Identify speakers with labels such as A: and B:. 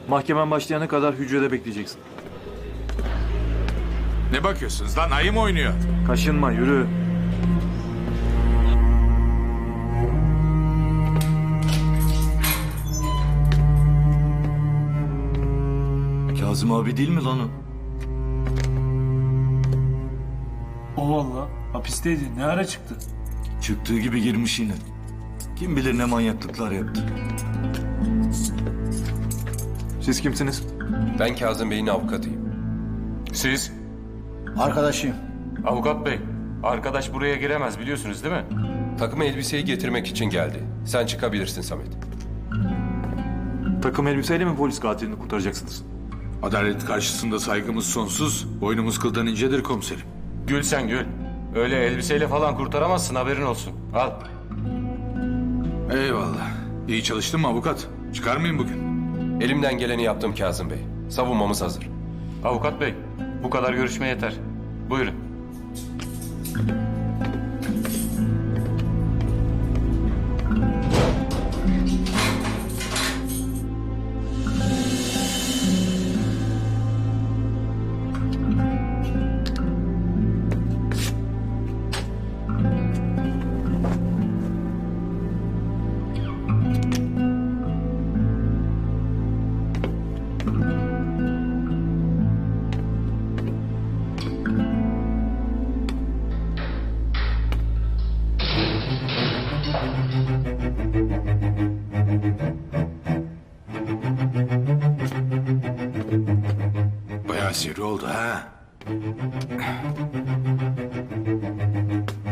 A: Mahkemen başlayana kadar hücrede bekleyeceksin.
B: Ne bakıyorsunuz lan? Ayı mı oynuyor?
A: Kaşınma, yürü.
C: Kazım abi değil mi lan o?
D: O valla. Hapisteydi. Ne ara çıktı?
C: Çıktığı gibi girmiş yine. Kim bilir ne manyaklıklar yaptı.
A: Siz kimsiniz?
E: Ben Kazım Bey'in avukatıyım.
F: Siz?
G: Arkadaşıyım.
F: Avukat bey. Arkadaş buraya giremez biliyorsunuz değil mi?
E: Takım elbiseyi getirmek için geldi. Sen çıkabilirsin Samet.
A: Takım elbiseyle mi polis katilini kurtaracaksınız?
B: Adalet karşısında saygımız sonsuz. Boynumuz kıldan incedir komiserim.
F: Gül sen gül. Öyle elbiseyle falan kurtaramazsın haberin olsun. Al.
B: Eyvallah. İyi çalıştın mı avukat? Çıkar mıyım bugün?
E: Elimden geleni yaptım Kazım Bey. Savunmamız hazır.
F: Avukat bey. Bu kadar görüşme yeter. Buyurun.
B: Bayağı sivri oldu ha.